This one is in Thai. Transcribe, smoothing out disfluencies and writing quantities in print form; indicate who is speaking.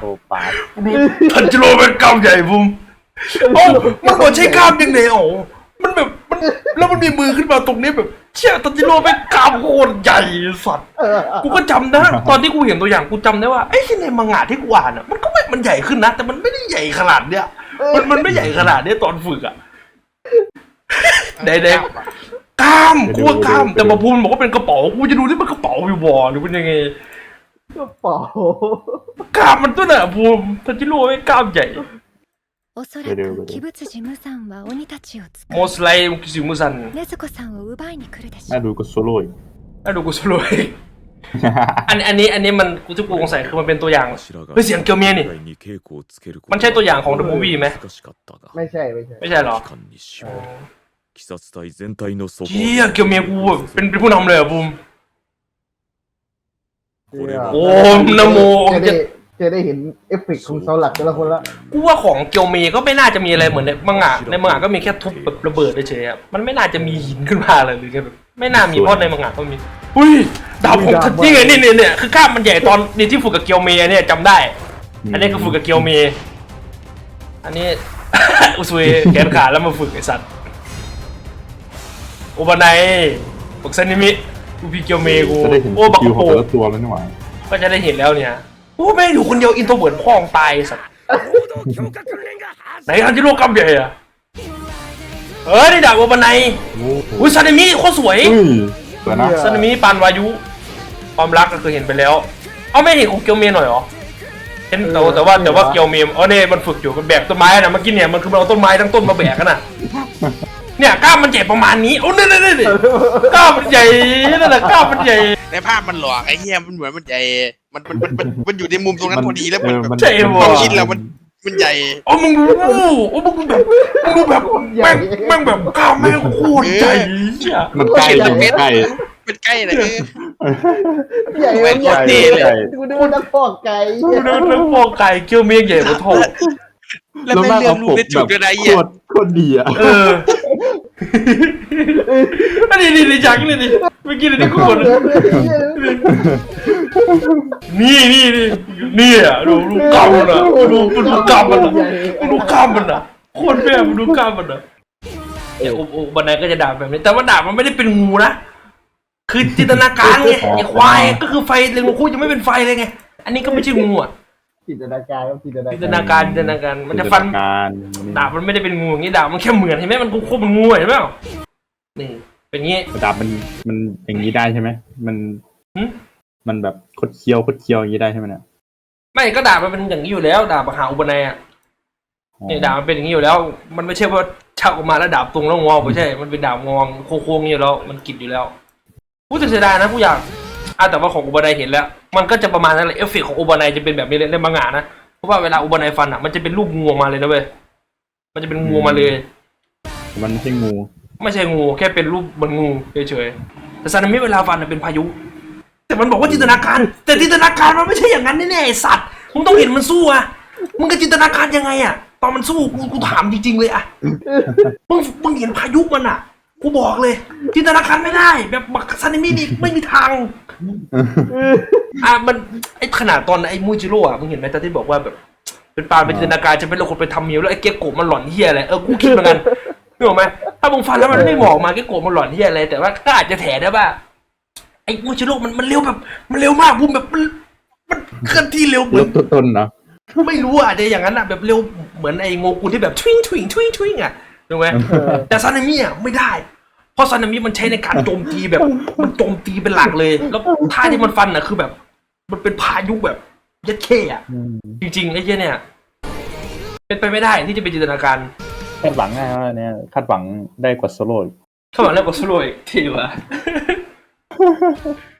Speaker 1: ปาร์ต
Speaker 2: ทันจิโร่เป็นกล้ามใหญ่บุ้มโอ้มันบอกใช้กล้ามยังไงโอ้มันแบบมันแล้วมันมีมือขึ้นมาตรงนี้แบบเชี่ยทันจิโร่เป็นกล้ามโคตรใหญ่สัตว์กูก็จำนะตอนที่กูเห็นตัวอย่างกูจำได้ว่าไอ้ที่ในมังงะที่กูอ่านอ่ะมันก็ไม่มันใหญ่ขึ้นนะแต่มันไม่ได้ใหญ่ขนาดเนี้ยมันไม่ใหญ่ขนาดเนี้ยตอนฝึกอ่ะเด็กๆกล้ามกูว่ากล้ามแต่มาพูนบอกว่าเป็นกระเป๋ากูจะดูที่มันกระเป๋าอยู่บ่หรือเป็นยังไง
Speaker 3: กระเป๋าก
Speaker 2: ล้ามมันตัวไหนอะภูมิทันจิโร่ไม่กล้ามใหญ่
Speaker 4: おそらく鬼物事務さんは鬼たちを使
Speaker 2: โมสไลมุกิซิมุซัน
Speaker 4: い禰豆子さんを奪いに来るでしょ
Speaker 1: น่าดูก็โซโล่อีก
Speaker 2: อ่ะดูกูสรวยอันนี้มันกูที่กูสงสัยคือมันเป็นตัวอย่างเฮ้ยเสียงเกียวเมียนี่มันใช่ตัวอย่างของ The Movie ไหม
Speaker 3: ไม่ใช่
Speaker 2: ไม่ใช่หรอ
Speaker 5: 鬼殺隊全体の底
Speaker 2: เฮียเกียวเมียกูแบบเป็นผู้นำเลยอะภูมิโอ้นะโม
Speaker 3: จะได้เห็นเอฟเฟกต์ของเสาหลักแต่ละคนละ
Speaker 2: กูว่าของเกียวเมียก็ไม่น่าจะมีอะไรเหมือนในมังงะก็มีแค่ทุบแบบระเบิดเฉยๆอะมันไม่น่าจะมีหินขึ้นมาเลยหรือไงแบบไม่น่ามีเพราะในมังงะก็มีอุ้ยดาบของทันจิไงนี่เนี่ยคือกล้ามมันใหญ่ตอนนี่ที่ฝึกกับเกียวเมียเนี่ยจำได้ อันนี้คือฝึกกับเกียวเมย์อันนี้ อุซุยแขนขาแล้วมาฝึกไอสัตว์โอบานายฝึกซานิมิกูพี่เกียวเมย์กู
Speaker 1: จะได้เห็น
Speaker 2: โอ้บัก
Speaker 1: คิว
Speaker 2: กะ
Speaker 1: ของ
Speaker 2: โป
Speaker 1: แต่ละตัวแล้วนี่หว่า
Speaker 2: ก็จะได้เห็นแล้วเนี่ยโอ้แม่งอยู่คนเดียวอินโทรเวิร์ดพ่องตายสัตว์ไหนทันจิโร่กำใหญ่อะนี่ดาบโอบานาย
Speaker 1: โอ้โห
Speaker 2: อุ้ยซานิมิโคตรสวย
Speaker 1: เฮ้ยสวยนะ
Speaker 2: ซานิมิปานวายุความรักก็คือเห็นไปแล้วเอาไม่เห็นของเกียวเมย์หน่อยเหรอเห็นแต่ว่าเกียวเมย์เนี่ยมันฝึกอยู่มันแบกต้นไม้นะเมื่อกี้เนี่ยมันคือมันเอาต้นไม้ทั้งต้นมาแบกกันน่ะเนี่ยกล้ามมันใหญ่ประมาณนี้โอ้เนี่ยกล้ามมันใหญ่นั่นแหละกล้ามมันใหญ่
Speaker 6: ในภาพมันหลอกไอ้เหี้ยมันเหมือนมันใหญ่มันอยู่ในมุมตรงนั้นพอดีแล้วมันแบบ
Speaker 2: ใช่
Speaker 6: ค
Speaker 2: บ่
Speaker 6: วามคิดเรามันใหญ่
Speaker 2: โอ้มึงดูแบบแม่งแบบกล้ามแม่งโคตรใหญ่
Speaker 1: มันใกล้มันใกล้
Speaker 6: เป็นใกล้เลย
Speaker 3: ใหญ่
Speaker 6: แม่งโคตรดีเลย
Speaker 3: กูนึกว่านักฟอกไก่
Speaker 2: ดูแล้วฟองไก่เกียวเมียใหญ่กว่าทอง
Speaker 6: แล้วไม่เลือกลูกได้จุกด้วยนะไอ้เหี้ย
Speaker 1: โคตรดีอ่ะ
Speaker 2: อันนี้จังเลยดิเมื่อกี้นี่กูบ่นนี่อ่ะดูกล้ามมันอ่ะดูกล้ามมันอ่ะดูกล้ามมันอ่ะโคตรแม่ดูกล้ามมันอ่ะเนี่ยบันไดก็จะด่าแบบนี้แต่ว่าด่ามันไม่ได้เป็นงูนะคือจินตนาการไงไอ้ควายก็คือไฟเรนโบว์ยังไม่เป็นไฟเลยไงอันนี้ก็ไม่ใช่งูอ่ะ
Speaker 3: จินตนาการครับจินตนา
Speaker 2: จินตนาการมันจะฟัน
Speaker 1: การ
Speaker 2: ดาบมันไม่ได้เป็นงูอย่างนี้ดาบมันแค่เหมือนเห็นไหมมันโคตรเป็นงูเห็นไหมนี่เป็นงี้
Speaker 1: ดาบมันอย่างนี้ได้ใช่ไหมมันแบบคดเคี้ยวอย่างนี้ได้ใช่ไหมเนี่ย
Speaker 2: ไม่ก็ดาบมันเป็นอย่างนี้อยู่แล้วดาบมหาอุปนัยอ่ะนี่ดาบมันเป็นอย่างนี้อยู่แล้ว มันไม่ใช่ว่าชักออกมาแล้วดาบตรงแล้วงอไม่ใช่มันเป็นดาบงอโค้งๆอยู่แล้วมันกิดอยู่แล้วผู้จะเสียดายนะผู้อยากแต่ว่าของอุปนัยเห็นแล้ว มันก็จะประมาณนั้นแหละเอฟเฟกต์ของอุปนัยจะเป็นแบบนี้เลยในมังงะนะเพราะว่าเวลาอุปนัยฟันอ่ะมันจะเป็นรูปงูออกมาเลยนะเว้ยมันจะเป็นงูมาเลย
Speaker 1: มันไม่ใช่งู
Speaker 2: ไม่ใช่งูแค่เป็นรูปเหมือนงูเฉยๆแต่ซานามิเวลาฟันเป็นพายุแต่มันบอกว่าจินตนาการแต่จินตนาการมันไม่ใช่อย่างนั้นแน่ๆไอ้สัตว์มึงต้องเห็นมันสู้อะมึงก็จินตนาการยังไงอะตอนมันสู้กูถามจริงๆเลยอะมึงเห็นพายุมันอะกูบอกเลยจินตนาการไม่ได้แบบซานามินี่ไม่มีทางมันไอ้ขนาดตอนไอ้มูจิโร่อะมึงเห็นไหมตอนที่บอกว่าแบบเป็นปานเป็นจินตนาการจะเป็นคนไปทำเมียวแล้วไอ้เกโกะมันหลอนเฮียอะไรกูคิดเหมือนกันนึกออกไหมถ้ามึงฟันแล้วมันไม่บอกมาเกโกะมันหลอนเฮียอะไรแต่ว่าก็อาจจะแถได้ว่าไอ้มูจิโร่มันเร็วแบบมันเร็วมากบูมแบบมันเคลื่อนที่เร็วเหมือน
Speaker 1: ต้นเนาะ
Speaker 2: ไม่รู้อาจจะอย่างนั้นอะแบบเร็วเหมือนไอ้โงกุลที่แบบทวิงอะถูกไหมแต่ซานามิอะไม่ได้เพราะซานามิมันใช้ในการโจมตีแบบมันโจมตีเป็นหลักเลยแล้วท่าที่มันฟันอะคือแบบมันเป็นพายุแบบยัดเข้อะจริงๆไอ้เจ้าเนี่ยเป็นไปไม่ได้ที่จะเป็นจินตนาการ
Speaker 1: คาดหวังง่ายว่าเนี่ยคาดหวังได้กว่าโซโล่
Speaker 2: เข้ามาแล้วก็สโลยทีวะ